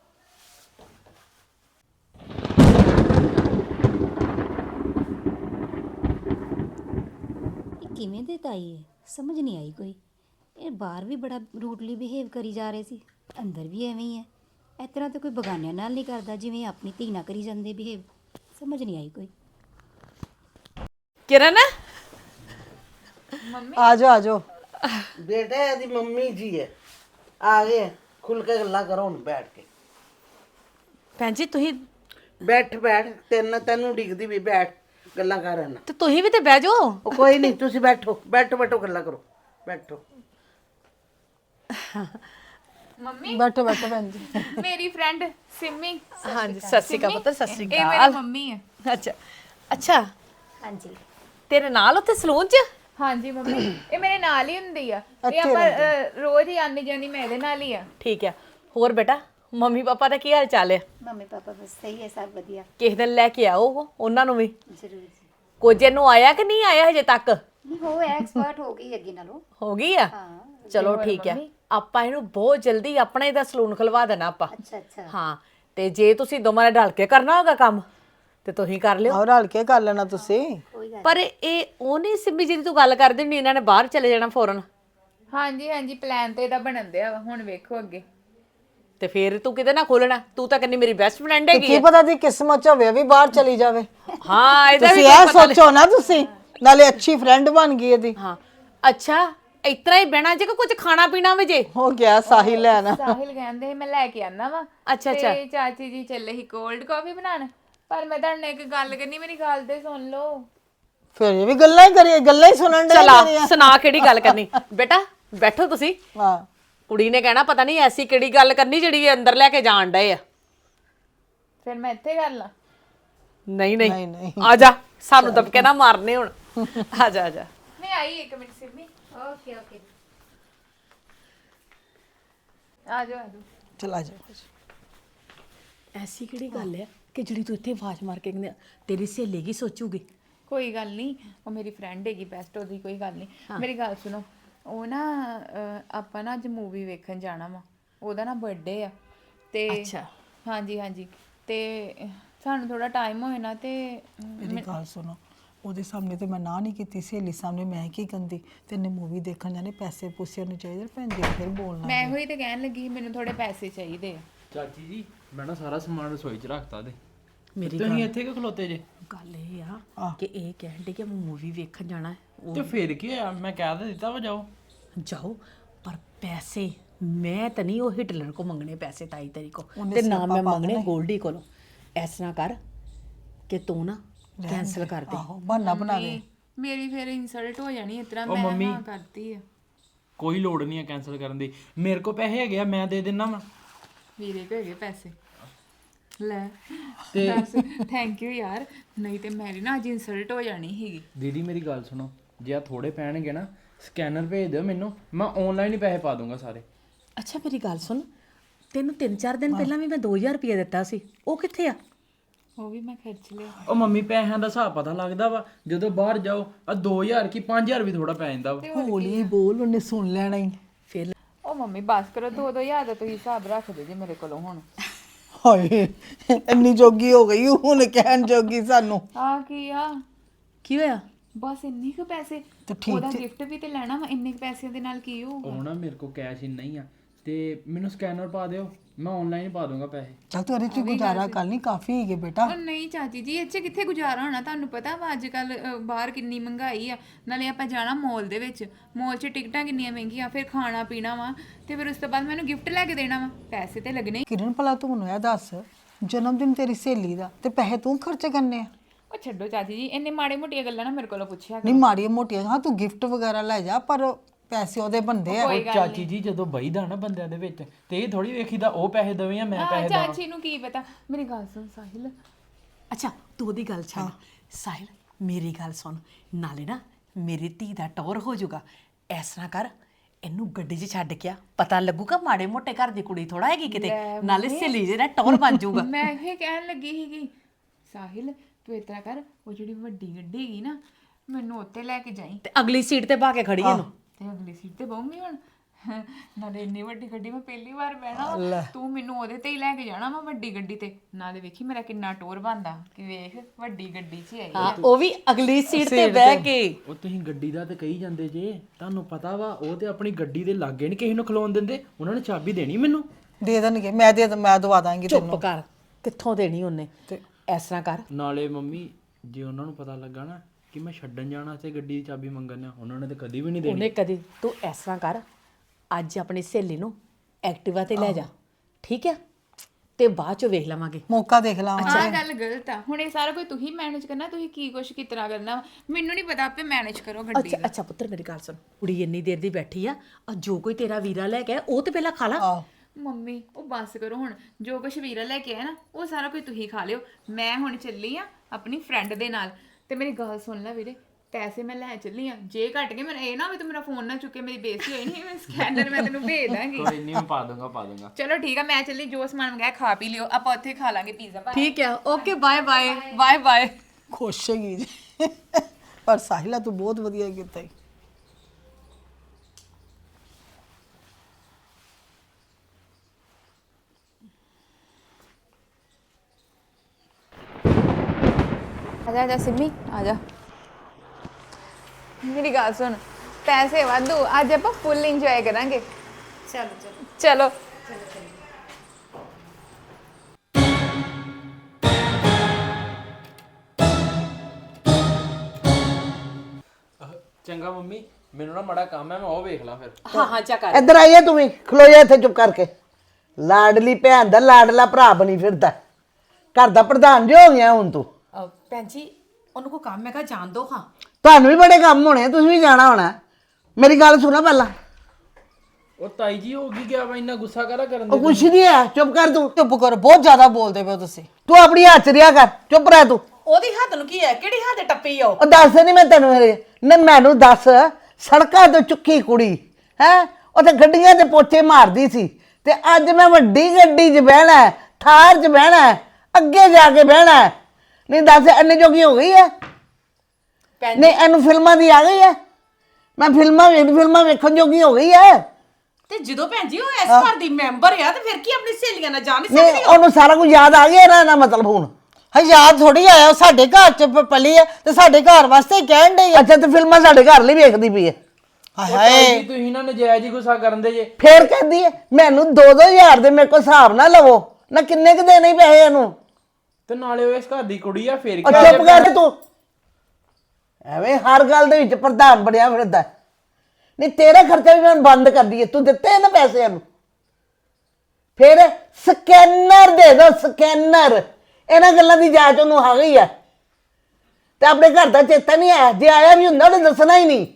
ਇਹ ਕਿਵੇਂ ਦੇ ਤਾਈ ਹੈ ਸਮਝ ਨਹੀਂ ਆਈ ਕੋਈ ਇਹ ਬਾਹਰ ਵੀ ਬੜਾ ਰੂਟਲੀ ਬਿਹੇਵ ਕਰੀ ਜਾ ਰਹੇ ਸੀ ਅੰਦਰ ਵੀ ਐਵੇਂ ਹੀ ਹੈ ਇਸ ਤਰ੍ਹਾਂ ਤਾਂ ਕੋਈ ਬਗਾਨਿਆਂ ਨਾਲ ਨਹੀਂ ਕਰਦਾ ਜਿਵੇਂ ਆਪਣੀ ਧੀ ਨਾਲ ਕਰੀ ਜਾਂਦੇ ਬਿਹੇਵ ਸਮਝ ਨਹੀਂ ਆਈ ਕੋਈ
ਕਿਰਨ
ਆ ਜਾਓ ਆ ਜਾਓ
ਬੇਟਾ ਇਹਦੀ ਮੰਮੀ ਜੀ ਹੈ ਆ ਗਏ ਖੁੱਲ ਕੇ ਗੱਲਾਂ ਕਰੋ ਹੁਣ ਬੈਠ ਕੇ
ਭੈਣ ਜੀ ਤੁਸੀਂ
ਬੈਠ ਬੈਠ ਤੈਨੂੰ ਤੈਨੂੰ ਡਿੱਗਦੀ ਵੀ ਬੈਠ ਗੱਲਾਂ ਕਰਨ
ਤੇ ਤੁਸੀਂ ਵੀ ਤੇ ਬਹਿ ਜਾਓ
ਉਹ ਕੋਈ ਨਹੀਂ ਤੁਸੀਂ ਬੈਠੋ ਬੈਠੋ ਬੈਠੋ ਗੱਲਾਂ ਕਰੋ ਬੈਠੋ
ਮੰਮੀ
ਬੈਠੋ ਬੈਠੋ ਭੈਣ ਜੀ
ਮੇਰੀ ਫਰੈਂਡ ਸਿੰਮੀ
ਹਾਂਜੀ ਸਤਿ ਸ਼੍ਰੀ ਅਕਾਲ ਪੁੱਤਰ ਸਤਿ ਸ਼੍ਰੀ
ਇਹ ਮੇਰੀ
ਅਕਾਲ
ਮੰਮੀ ਹੈ
ਅੱਛਾ ਅੱਛਾ
ਹਾਂਜੀ
ਤੇਰੇ ਨਾਲ ਉੱਥੇ ਸਲੂਨ 'ਚ
ਹਾਂਜੀ ਮੰਮੀ ਇਹ ਮੇਰੇ ਨਾਲ ਹੀ ਹੁੰਦੀ ਆ ਇਹ ਆਪਾਂ ਅ, ਰੋਜ਼ ਹੀ ਆਉਂਦੀ ਜਾਂਦੀ ਮੈਂ ਇਹਦੇ ਨਾਲ ਹੀ ਆ
ਠੀਕ ਆ ਹੋਰ ਬੇਟਾ ਮੰਮੀ ਪਾਪਾ ਦਾ ਕੀ ਹਾਲ ਚਾਲ ਹੈ
ਮੰਮੀ ਪਾਪਾ ਬਸ ਸਹੀ ਹੈ ਸਭ ਵਧੀਆ
ਕਿਸੇ ਦਿਨ ਲੈ ਕੇ ਆਓ ਉਹਨਾਂ ਨੂੰ ਵੀ
ਜ਼ਰੂਰ ਜੀ
ਕੁਝ ਇਹਨੂੰ ਆਇਆ ਕਿ ਨਹੀਂ ਆਇਆ ਹਜੇ ਤੱਕ
ਨਹੀਂ ਹੋ ਐਕਸਪਰਟ ਹੋ ਗਈ ਅੱਗੇ ਨਾਲੋਂ
ਹੋ ਗਈ ਆ ਚਲੋ ਠੀਕ ਆ ਆਪਾਂ ਇਹਨੂੰ ਬਹੁਤ ਜਲਦੀ ਆਪਣਾ ਇਹਦਾ ਸਲੂਨ ਖਲਵਾ ਦੇਣਾ ਆਪਾਂ
ਅੱਛਾ ਅੱਛਾ
ਹਾਂ ਤੇ ਜੇ ਤੁਸੀਂ ਦੋਵਾਂ ਨੇ ਢਲ ਕੇ ਕਰਨਾ ਹੋਗਾ ਕੰਮ ਤੇ ਤੁਸੀਂ ਕਰ ਲਿਓ
ਆਹ ਰਲ ਕੇ ਕਰ ਲੈਣਾ ਤੁਸੀਂ
ਪਰ ਇਹ ਉਹ ਨਹੀਂ ਸਿੰਮੀ ਜਿਹਦੀ ਤੂੰ ਗੱਲ ਕਰਦੀ ਨਹੀਂ ਇਹਨਾਂ ਨੇ ਬਾਹਰ ਚਲੇ ਜਾਣਾ ਫੌਰਨ
ਹਾਂਜੀ ਹਾਂਜੀ ਪਲਾਨ ਤੇ ਇਹਦਾ ਬਣਨ ਦਿਆ ਵਾ ਹੁਣ ਵੇਖੋ ਅੱਗੇ
ਤੇ ਫੇਰ ਤੂੰ ਕਿਤੇ ਨਾ ਖੋਲਣਾ ਤੂੰ ਤਾਂ ਕਹਿੰਦੀ ਮੇਰੀ ਬੈਸਟ ਫਰੈਂਡ ਹੈਗੀ
ਕੀ
ਆ।
ਪਤਾ ਦੀ ਕਿਸਮਤ ਚ ਹੋਵੇ ਵੀ ਬਾਹਰ ਚਲੀ ਜਾਵੇ
ਹਾਂ ਇਹਦਾ ਵੀ
ਤੁਸੀਂ ਇਹ ਸੋਚੋ ਨਾ ਤੁਸੀਂ ਨਾਲੇ ਅੱਛੀ ਫਰੈਂਡ ਬਣ ਗਈ ਇਹਦੀ
ਹਾਂ ਅੱਛਾ ਇਤਨਾ ਹੀ ਬਹਿਣਾ ਜੇ ਕਿ ਕੁਝ ਖਾਣਾ ਪੀਣਾ ਵੀ ਜੇ
ਹੋ ਗਿਆ ਸਾਹਿਲ ਲੈਣਾ
ਸਾਹਿਲ ਕਹਿੰਦੇ ਸੀ ਮੈਂ ਲੈ ਕੇ ਆਣਾ ਵਾ
ਅੱਛਾ, ਅੱਛਾ।
ਤੇ ਚਾਚੀ ਜੀ ਚੱਲੇ ਸੀ ਕੋਲਡ ਕਾਫੀ ਬਣਾਉਣ ਪਰ ਮੈਂ ਤੁਹਾਡੇ ਨਾਲ ਇੱਕ ਗੱਲ ਕਰਨੀ ਮੇਰੀ ਗੱਲ ਤੇ ਸੁਣ ਲਓ
ਫਿਰ ਇਹ ਵੀ ਗੱਲਾਂ ਹੀ ਕਰੀ ਗੱਲਾਂ ਹੀ ਸੁਣਨ ਦੇ
ਚਲਾ ਸੁਣਾ ਕਿਹੜੀ ਗੱਲ ਕਰਨੀ ਬੇਟਾ ਬੈਠੋ ਤੁਸੀਂ
ਹਾਂ
ਕੁੜੀ ਨੇ ਕਹਿਣਾ ਪਤਾ ਨਹੀਂ ਐਸੀ ਕਿਹੜੀ ਗੱਲ ਕਰਨੀ ਜਿਹੜੀ ਇਹ ਅੰਦਰ ਲੈ ਕੇ ਜਾਣ ਡਏ ਆ
ਫਿਰ ਮੈਂ ਇੱਥੇ ਕਰ ਲਾਂ
ਨਹੀਂ
ਨਹੀਂ,
ਨਹੀਂ
ਨਹੀਂ।
ਆ ਜਾ ਸਾਨੂੰ ਦਬਕੇ ਨਾ ਮਾਰਨੇ ਹੁਣ ਆ ਜਾ ਆ ਜਾ
ਮੈਂ ਆਈ ਇੱਕ ਮਿੰਟ ਸਿੰਮੀ ਓਕੇ ਓਕੇ ਆ ਜਾਓ ਆ ਜਾਓ
ਚਲਾ ਜਾ
ਐਸੀ ਕਿਹੜੀ ਗੱਲ ਹੈ ਕਿ ਜਿਹੜੀ ਤੂੰ ਇੱਥੇ ਆਵਾਜ਼ ਮਾਰ ਕੇ ਕਹਿੰਦੇ ਆ, ਤੇਰੀ ਸਹੇਲੀ ਕੀ ਸੋਚੂਗੀ
ਕੋਈ ਗੱਲ ਨਹੀਂ ਉਹ ਮੇਰੀ ਫਰੈਂਡ ਹੈਗੀ ਬੈਸਟ ਉਹਦੀ ਕੋਈ ਗੱਲ ਨਹੀਂ ਮੇਰੀ ਗੱਲ ਸੁਣੋ ਉਹ ਨਾ ਅਹ, ਆਪਾਂ ਨਾ ਅੱਜ ਮੂਵੀ ਵੇਖਣ ਜਾਣਾ ਵਾ ਉਹਦਾ ਨਾ ਬਰਥਡੇ ਆ ਤੇ
ਅੱਛਾ।
ਹਾਂਜੀ ਹਾਂਜੀ ਤੇ ਸਾਨੂੰ ਥੋੜਾ ਟਾਈਮ ਹੋਏ ਨਾ ਤੇ
ਮੇਰੀ ਗੱਲ ਸੁਣੋ ਉਹਦੇ ਸਾਹਮਣੇ ਤੇ ਮੈਂ ਨਾ ਨਹੀਂ ਕੀਤੀ ਸਹੇਲੀ ਸਾਹਮਣੇ ਮੈਂ ਕੀ ਕੰਦੀ ਤੈਨੂੰ ਮੂਵੀ ਦੇਖਣ ਜਾਣੇ ਪੈਸੇ ਪੂਸੇ ਨੂੰ ਚਾਹੀਦੇ ਭੈਣ ਜੀ ਫਿਰ ਬੋਲਣਾ
ਮੈਂ ਹੋਈ ਤੇ ਕਹਿਣ ਲੱਗੀ ਮੈਨੂੰ ਥੋੜੇ ਪੈਸੇ ਚਾਹੀਦੇ ਆ
ਚਾਚੀ ਜੀ ਮੈਂ ਨਾ ਸਾਰਾ ਸਮਾਨ ਰਸੋਈ 'ਚ ਰੱਖਤਾ ਦੇ
ਮੇਰੀ
ਤੁਸੀਂ ਇੱਥੇ ਕਿਉਂ ਖਲੋਤੇ ਜੇ
ਗੱਲ ਇਹ ਆ ਕਿ ਇਹ ਕਹਿੰਦੇ ਕਿ ਮੂਵੀ ਵੇਖਣ ਜਾਣਾ ਹੈ। ਉਹ
ਤੇ ਫੇਰ ਕੀ ਹੋਇਆ ਮੈਂ ਕਹਿ ਤਾਂ ਦਿੱਤਾ ਵਾ ਜਾਓ
ਜਾਓ ਪਰ ਪੈਸੇ ਮੈਂ ਤਾਂ ਨਹੀਂ ਉਹ ਹਿਟਲਰ ਕੋ ਮੰਗਣੇ ਪੈਸੇ ਤਾਈ ਤੇਰੀ ਕੋ ਤੇ ਨਾ ਮੈਂ ਮੰਗਣੇ ਗੋਲਡੀ ਕੋਲੋਂ ਇਸ ਤਰ੍ਹਾਂ ਕਰ ਕਿ ਤੂੰ ਨਾ ਕੈਨਸਲ ਕਰ ਦੇ
ਆਹੋ ਬਹਾਨਾ ਬਣਾ ਦੇ
ਮੇਰੀ ਫਿਰ ਇਨਸਲਟ ਹੋ ਜਾਣੀ ਇਸ ਤਰ੍ਹਾਂ ਮੈਂ ਹਾਂ ਕਰਤੀ ਆ
ਕੋਈ ਲੋੜ ਨਹੀਂ ਹੈ ਕੈਨਸਲ ਕਰਨ ਦੀ ਮੇਰੇ ਕੋ ਪੈਸੇ ਹੈਗੇ ਆ ਮੈਂ ਦੇ ਦਿੰਨਾ ਵਾ
ਵੀਰੇ ਕੋ ਹੈਗੇ ਪੈਸੇ ਲੈ ਤੇ ਥੈਂਕ ਯੂ ਯਾਰ ਨਹੀਂ ਤੇ ਮੇਰੀ ਨਾ ਅੱਜ ਇਨਸਲਟ ਹੋ ਜਾਣੀ ਸੀਗੀ
ਦੀਦੀ ਮੇਰੀ ਗੱਲ ਸੁਣੋ ਜੇ ਆ ਥੋੜੇ ਪੈਣਗੇ ਨਾ ਸਕੈਨਰ ਭੇਜ ਦਿਓ ਮੈਨੂੰ ਮੈਂ ਆਨਲਾਈਨ ਹੀ ਪੈਸੇ ਪਾ ਦੂੰਗਾ ਸਾਰੇ
ਅੱਛਾ ਮੇਰੀ ਗੱਲ ਸੁਣ ਤੈਨੂੰ ਤਿੰਨ ਚਾਰ ਦਿਨ ਪਹਿਲਾਂ ਵੀ ਮੈਂ ਦੋ ਹਜ਼ਾਰ ਰੁਪਏ ਦਿੱਤਾ ਸੀ ਉਹ ਕਿੱਥੇ ਆ
ਉਹ ਵੀ ਮੈਂ ਖਰਚ ਲਿਆ
ਉਹ ਮੰਮੀ ਪੈਸਿਆਂ ਦਾ ਹਿਸਾਬ ਪਤਾ ਲੱਗਦਾ ਵਾ ਜਦੋਂ ਬਾਹਰ ਜਾਓ ਆ ਦੋ ਹਜ਼ਾਰ ਕੀ ਪੰਜ ਹਜ਼ਾਰ ਵੀ ਥੋੜਾ ਪੈ ਜਾਂਦਾ ਵਾ
ਹੌਲੀ ਬੋਲ ਉਹਨੇ ਸੁਣ ਲੈਣਾ ਹੀ
ਫਿਰ
ਉਹ ਮੰਮੀ ਬਸ ਕਰੋ, ਦੋ ਦੋ ਹਜ਼ਾਰ ਦਾ ਤੁਸੀਂ ਹਿਸਾਬ ਰੱਖ ਦਿਓ ਜੀ ਮੇਰੇ ਕੋਲੋਂ ਹੁਣ।
ਹਾਏ ਇੰਨੀ ਜੋਗੀ ਹੋ ਗਈ ਹੁਣ ਕਹਿਣ ਜੋਗੀ ਸਾਨੂੰ।
ਆ ਕੀ ਆ,
ਕੀ ਹੋਇਆ?
ਬਸ ਇੰਨੇ ਕੁ ਪੈਸੇ,
ਤੇ ਠੀਕ
ਉਹਦਾ ਗਿਫਟ ਵੀ ਤੇ ਲੈਣਾ ਵਾ, ਇੰਨੇ ਕੁ ਪੈਸਿਆਂ ਦੇ ਨਾਲ ਕੀ ਹੋਊਗਾ?
ਉਹ ਨਾ ਮੇਰੇ ਕੋਲ ਕੈਸ਼ ਹੀ ਨਹੀਂ ਆ, ਤੇ ਮੈਨੂੰ ਸਕੈਨਰ ਪਾ ਦਿਓ, ਮੈਂ ਆਨਲਾਈਨ ਪਾ ਦੂੰਗਾ ਪੈਸੇ।
ਚੱਲ ਤੂੰ ਇਹਦੇ ਚ ਗੁਜ਼ਾਰਾ ਕਰ ਲਈ, ਕਾਫੀ ਹੈਗੇ ਬੇਟਾ।
ਉਹ ਨਹੀਂ ਚਾਚੀ ਜੀ, ਇੱਥੇ ਕਿੱਥੇ ਗੁਜ਼ਾਰਾ ਹੋਣਾ? ਤੁਹਾਨੂੰ ਪਤਾ ਵਾ ਅੱਜ ਕੱਲ ਬਾਹਰ ਕਿੰਨੀ ਮਹਿੰਗਾਈ ਆ, ਨਾਲੇ ਆਪਾਂ ਜਾਣਾ ਮਾਲ ਦੇ ਵਿੱਚ, ਮਾਲ 'ਚ ਟਿਕਟਾਂ ਕਿੰਨੀਆਂ ਮਹਿੰਗੀਆਂ, ਫਿਰ ਖਾਣਾ ਪੀਣਾ ਵਾ, ਤੇ ਫਿਰ ਉਸ ਤੋਂ ਬਾਅਦ ਮੈਨੂੰ ਗਿਫਟ ਲੈ ਕੇ ਦੇਣਾ ਵਾ, ਪੈਸੇ ਤੇ ਲੱਗਣੇ ਹੀ।
ਕਿਰਨ ਭਲਾ ਤੂੰ ਮੈਨੂੰ ਇਹ ਦੱਸ, ਜਨਮ ਦਿਨ ਤੇਰੀ ਸਹੇਲੀ ਦਾ ਤੇ ਪੈਸੇ ਤੂੰ ਖਰਚ ਕਰਨੇ ਆ?
ਉਹ ਛੱਡੋ ਚਾਚੀ ਜੀ, ਇੰਨੇ ਮਾੜੇ ਮੋਟੀਆਂ ਗੱਲਾਂ ਨਾ ਮੇਰੇ ਕੋਲੋਂ ਪੁੱਛਿਆ ਕਰੋ।
ਨਹੀਂ ਮਾੜੀਆਂ ਮੋਟੀਆਂ, ਹਾਂ ਤੂੰ ਗਿਫਟ ਵਗੈਰਾ ਲੈ ਜਾ, ਪਰ ਪੈਸੇ ਉਹਦੇ ਬੰਦੇ ਆ।
ਉਹ ਚਾਚੀ ਜੀ ਜਦੋਂ ਬਈਦਾ ਨਾ ਬੰਦਿਆਂ ਦੇ ਵਿੱਚ, ਤੇ ਇਹ ਥੋੜੀ ਵੇਖੀਦਾ ਉਹ ਪੈਸੇ ਦੇਵੇ ਜਾਂ ਮੈਂ
ਹਾਂ
ਪੈਸੇ ਦੇਵਾਂ।
ਚਾਚੀ ਨੂੰ ਕੀ ਪਤਾ। ਮੇਰੀ ਗੱਲ ਸੁਣ ਸਾਹਿਲ,
ਅੱਛਾ ਤੂੰ ਉਹਦੀ ਗੱਲ ਛੱਡ, ਸਾਹਿਲ ਮੇਰੀ ਗੱਲ ਸੁਣ, ਨਾਲੇ ਨਾ ਮੇਰੀ ਧੀ ਦਾ ਟੌਰ ਹੋ ਜਾਊਗਾ। ਇਸ ਤਰ੍ਹਾਂ ਕਰ, ਇਹਨੂੰ ਗੱਡੀ 'ਚ ਛੱਡ ਕੇ ਆ, ਪਤਾ ਲੱਗੂਗਾ ਮਾੜੇ ਮੋਟੇ ਘਰ ਦੀ ਕੁੜੀ ਥੋੜਾ ਹੈਗੀ ਕਿਤੇ, ਨਾਲੇ ਸਹੇਲੀ ਜਿਹੜਾ ਟੌਰ ਬਣ ਜਾਊਗਾ।
ਮੈਂ ਇਹ ਕਹਿਣ ਲੱਗੀ ਸੀਗੀ, ਸਾਹਿਲ ਤੂੰ ਇਸ ਤਰ੍ਹਾਂ ਕਰ, ਉਹ ਜਿਹੜੀ ਵੱਡੀ ਗੱਡੀ ਹੈਗੀ ਨਾ, ਮੈਨੂੰ ਉੱਤੇ ਲੈ ਕੇ ਜਾਈਂ,
ਤੇ ਅਗਲੀ ਸੀਟ ਤੇ ਪਾ ਕੇ ਖੜੀ ਇਹਨੂੰ।
ਤੇ ਅਗਲੀ ਸੀਟ ਤੇ ਬਹੂੰਗੀ ਹੁਣ। ਨਾਲੇ ਇੰਨੀ ਵੱਡੀ ਗੱਡੀ ਮੈਂ ਪਹਿਲੀ ਵਾਰ ਬਹਿਣਾ ਵਾ, ਤੂੰ ਮੈਨੂੰ ਉਹਦੇ ਤੇ ਹੀ ਲੈ ਕੇ ਜਾਣਾ ਵਾ, ਵੱਡੀ ਗੱਡੀ ਤੇ। ਨਾਲੇ ਵੇਖੀ ਮੇਰਾ ਕਿੰਨਾ ਟੋਰ ਬਣਦਾ, ਕਿ ਵੇਖ ਵੱਡੀ ਗੱਡੀ 'ਚ ਹੀ ਆਈ
ਹਾਂ ਉਹ ਵੀ ਅਗਲੀ ਸੀਟ ਤੇ ਬਹਿ ਕੇ।
ਉਹ ਤੁਸੀਂ ਗੱਡੀ ਦਾ ਤੇ ਕਹੀ ਜਾਂਦੇ ਜੇ, ਤੁਹਾਨੂੰ ਪਤਾ ਵਾ ਉਹ ਤੇ ਆਪਣੀ ਗੱਡੀ ਦੇ ਲਾਗੇ ਨਹੀਂ ਕਿਸੇ ਨੂੰ ਖਲੋਣ ਦਿੰਦੇ, ਉਹਨਾਂ ਨੇ ਚਾਬੀ ਦੇਣੀ ਮੈਨੂੰ।
ਦੇ ਦੇਣਗੇ, ਮੈਂ ਦੇ ਮੈਂ ਦਵਾ ਦਾਂਗੀ
ਚੁੱਪ
ਤੈਨੂੰ।
ਕਰ, ਕਿੱਥੋਂ ਦੇਣੀ ਉਹਨੇ? ਇਸ ਤਰ੍ਹਾਂ ਕਰ,
ਨਾਲੇ ਮੰਮੀ ਜੇ ਉਹਨਾਂ ਨੂੰ ਪਤਾ ਲੱਗਾ ਨਾ ਕਿ ਮੈਂ ਛੱਡਣ ਜਾਣਾ ਤੇ ਗੱਡੀ ਦੀ ਚਾਬੀ ਮੰਗਣ ਆ, ਉਹਨਾਂ ਨੇ ਤੇ ਕਦੀ ਵੀ ਨਹੀਂ ਦੇਣੀ।
ਉਹਨੇ ਕਦੀ, ਤੂੰ ਇਸ ਤਰ੍ਹਾਂ ਕਰ, ਅੱਜ ਆਪਣੀ ਸਹੇਲੀ ਨੂੰ ਐਕਟਿਵਾ ਤੇ ਲੈ ਜਾ, ਠੀਕ ਹੈ? ਤੇ ਬਾਅਦ ਚ ਵੇਖ ਲਵਾਂਗੇ,
ਮੌਕਾ ਦੇਖ ਲਾਂਗੇ।
ਆਹ ਗੱਲ ਗਲਤ ਆ। ਹੁਣ ਇਹ ਸਾਰਾ ਕੋਈ ਤੁਸੀਂ ਮੈਨੇਜ ਕਰਨਾ, ਤੁਸੀਂ ਕੀ ਕੁਛ ਕਿਤਨਾ ਕਰਨਾ ਵਾ, ਮੈਨੂੰ ਨਹੀਂ ਪਤਾ, ਆਪੇ ਮੈਨੇਜ ਕਰੋ ਗੱਡੀ
ਅੱਛਾ ਅੱਛਾ ਪੁੱਤਰ ਮੇਰੀ ਗੱਲ ਸੁਣ, ਕੁੜੀ ਇੰਨੀ ਦੇਰ ਦੀ ਬੈਠੀ ਆ, ਆ ਜੋ ਕੋਈ ਤੇਰਾ ਵੀਰਾ ਲੈ ਕੇ ਆਇਆ ਉਹ ਤੇ ਪਹਿਲਾਂ ਖਾ ਲਾ।
ਮੰਮੀ ਉਹ ਬੱਸ ਕਰੋ ਹੁਣ, ਜੋ ਕੁਛ ਵੀਰਾ ਲੈ ਕੇ ਆਇਆ ਨਾ ਉਹ ਸਾਰਾ ਕੁਝ ਤੁਸੀਂ ਖਾ ਲਿਓ। ਮੈਂ ਹੁਣ ਚੱਲੀ ਆ ਆਪਣੀ ਫਰੈਂਡ ਦੇ ਨਾਲ, ਤੇ ਮੇਰੀ ਗੱਲ ਸੁਣ ਲੈ ਵੀਰੇ, ਪੈਸੇ ਮੈਂ ਲੈ ਚੱਲੀ ਆ, ਜੇ ਘਟ ਗਏ ਮੈਨੂੰ ਇਹ ਨਾ ਹੋਵੇ ਤੂੰ ਮੇਰਾ ਫੋਨ ਨਾ ਚੁੱਕੇ, ਮੇਰੀ ਬੇਇੱਜ਼ਤੀ ਹੋਈ ਨਹੀਂ, ਮੈਂ ਸਕੈਨਰ ਮੈਂ ਤੈਨੂੰ ਭੇਜ ਦਾਂਗੀ।
ਕੋਈ ਨਹੀਂ, ਮੈਂ ਪਾ ਦੂੰਗਾ ਪਾ ਦੂੰਗਾ
ਚਲੋ ਠੀਕ ਆ, ਮੈਂ ਚੱਲੀ, ਜੋ ਸਮਾਨ ਮੰਗਾਇਆ ਖਾ ਪੀ ਲਿਓ, ਆਪਾਂ ਉੱਥੇ ਖਾ ਲਾਂਗੇ ਪੀਜ਼ਾ।
ਠੀਕ ਹੈ, okay bye bye bye bye.
ਖੁਸ਼ ਹੈਗੀ ਜੀ ਪਰ ਸਾਹਿਲਾ ਤੂੰ ਬਹੁਤ ਵਧੀਆ ਕੀਤਾ ਈ।
ਆਜਾ ਆਜਾ ਸਿੰਮੀ ਆਜਾ, ਮੇਰੀ ਗੱਲ ਸੁਣ, ਪੈਸੇ ਵਾਧੂ, ਅੱਜ ਆਪਾਂ ਫੁੱਲ ਇੰਜੋਏ ਕਰਾਂਗੇ। ਚਲੋ ਚਲੋ ਚਲੋ
ਚੰਗਾ ਮੰਮੀ, ਮੈਨੂੰ ਨਾ ਮੜਾ ਕੰਮ ਹੈ, ਮੈਂ ਉਹ ਵੇਖ ਲਾਂ ਫਿਰ।
ਹਾਂ ਹਾਂ ਚਾ ਕਰ।
ਇੱਧਰ ਆਈਏ ਤੂੰ ਵੀ, ਖਲੋ ਜਾ ਇੱਥੇ ਚੁੱਪ ਕਰਕੇ। ਲਾਡਲੀ ਭੈਣ ਦਾ ਲਾਡਲਾ ਭਰਾ ਬਣੀ ਫਿਰਦਾ, ਘਰ ਦਾ ਪ੍ਰਧਾਨ ਜੋ ਹੋ ਗਿਆ ਹੁਣ ਤੂੰ।
ਭੈਣ ਜੀ ਉਹਨੂੰ ਕੋ ਕੰਮ ਹੈਗਾ, ਜਾਣ ਦੋ। ਹਾਂ
ਤੁਹਾਨੂੰ ਵੀ ਬੜੇ ਕੰਮ ਹੋਣੇ, ਤੁਸੀਂ ਵੀ ਜਾਣਾ ਹੋਣਾ। ਮੇਰੀ ਗੱਲ ਸੁਣੋ ਪਹਿਲਾਂ।
ਉਹ ਤਾਈ ਜੀ ਹੋ ਗਈ ਗਿਆ ਵਾ, ਇੰਨਾ ਗੁੱਸਾ ਕਰਾ ਕਰਨ
ਉਹ
ਦੇ।
ਕੁਛ ਨਹੀਂ ਹੈ, ਚੁੱਪ ਕਰ ਤੂੰ।
ਚੁੱਪ ਕਰ, ਬਹੁਤ ਜ਼ਿਆਦਾ ਬੋਲਦੇ ਪਏ ਹੋ ਤੁਸੀਂ।
ਤੂੰ ਆਪਣੀ ਹੱਥ ਰਿਆ ਕਰ, ਚੁੱਪ ਰਹਿ ਤੂੰ।
ਉਹਦੀ ਹੱਥ ਨੂੰ ਕੀ ਹੈ, ਕਿਹੜੀ ਹੱਥ ਟੱਪੀ ਆ ਉਹ?
ਉਹ ਦੱਸ ਨਹੀਂ ਮੈਂ ਤੈਨੂੰ ਹਰੇ ਨਾ, ਮੈਨੂੰ ਦੱਸ, ਸੜਕਾਂ ਤੋਂ ਚੁੱਕੀ ਕੁੜੀ ਹੈ, ਉੱਥੇ ਗੱਡੀਆਂ ਦੇ ਪੋਚੇ ਮਾਰਦੀ ਸੀ, ਤੇ ਅੱਜ ਮੈਂ ਵੱਡੀ ਗੱਡੀ 'ਚ ਬਹਿਣਾ ਹੈ, ਥਾਰ 'ਚ ਬਹਿਣਾ ਹੈ, ਅੱਗੇ ਜਾ ਕੇ ਬਹਿਣਾ ਹੈ। ਨਹੀਂ ਦੱਸ ਇੰਨੇ ਜੋਗੀ ਹੋ ਗਈ ਹੈ? ਨਹੀਂ ਇਹਨੂੰ ਫਿਲਮਾਂ ਦੀ ਆ ਗਈ ਹੈ, ਮੈਂ ਫਿਲਮਾਂ ਵੇਖ ਫਿਲਮਾਂ ਵੇਖਣ ਜੋਗੀ ਹੋ ਗਈ ਹੈ।
ਤੇ ਜਦੋਂ ਭੈਣ ਜੀ ਉਹ ਇਸ ਘਰ ਦੀ ਮੈਂਬਰ ਆ, ਤੇ ਫਿਰ ਕੀ ਆਪਣੀ ਸਹੇਲੀਆਂ ਨਾਲ ਜਾ ਨਹੀਂ ਸਕਦੀ?
ਨਹੀਂ ਉਹਨੂੰ ਸਾਰਾ ਕੁਝ ਯਾਦ ਆ ਗਿਆ, ਇਹਦਾ ਮਤਲਬ ਹੁਣ
ਹਾਂ ਯਾਦ ਥੋੜੀ ਆਇਆ, ਉਹ ਸਾਡੇ ਘਰ ਚ ਪ- ਪਲੀ ਹੈ ਤੇ ਸਾਡੇ ਘਰ ਵਾਸਤੇ ਹੀ ਕਹਿਣ ਡਈ ਆ।
ਅੱਛਾ ਤੇ ਫਿਲਮਾਂ ਸਾਡੇ ਘਰ ਲਈ ਵੇਖਦੀ ਪਈ ਹੈ।
ਹਾਏ
ਉਹ ਤਾਈ ਜੀ ਤੁਸੀਂ ਨਾ ਨਜਾਇਜ਼ ਹੀ ਗੁੱਸਾ ਕਰਨ ਦੇ ਜੇ।
ਫੇਰ ਕਹਿੰਦੀ ਹੈ ਮੈਨੂੰ ਦੋ ਦੋ ਹਜ਼ਾਰ ਦੇ ਮੇਰੇ ਕੋਲ ਹਿਸਾਬ ਨਾ ਲਵੋ ਨਾ, ਕਿੰਨੇ ਕੁ ਦੇਣੇ ਪੈਸੇ ਇਹਨੂੰ।
ਤੇ ਨਾਲੇ ਉਹ ਇਸ ਘਰ ਦੀ ਕੁੜੀ ਆ, ਫੇਰ
ਉਹ ਚੁੱਪ ਕਰ ਤੂੰ, ਐਵੇਂ ਹਰ ਗੱਲ ਦੇ ਵਿੱਚ ਪ੍ਰਧਾਨ ਬਣਿਆ ਫਿਰਦਾ। ਨਹੀਂ ਤੇਰਾ ਖਰਚਾ ਵੀ ਮੈਂ ਬੰਦ ਕਰ ਦਈਏ, ਤੂੰ ਦਿੱਤੇ ਨਾ ਪੈਸੇ ਇਹਨੂੰ। ਫਿਰ ਸਕੈਨਰ ਦੇ ਦੋ, ਸਕੈਨਰ। ਇਹਨਾਂ ਗੱਲਾਂ ਦੀ ਜਾਂਚ ਉਹਨੂੰ ਆ ਗਈ ਹੈ, ਤੇ ਆਪਣੇ ਘਰ ਦਾ ਚੇਤਾ ਨਹੀਂ ਆਇਆ, ਜੇ ਆਇਆ ਵੀ ਹੁੰਦਾ ਉਹਨੇ ਦੱਸਣਾ ਹੀ ਨਹੀਂ।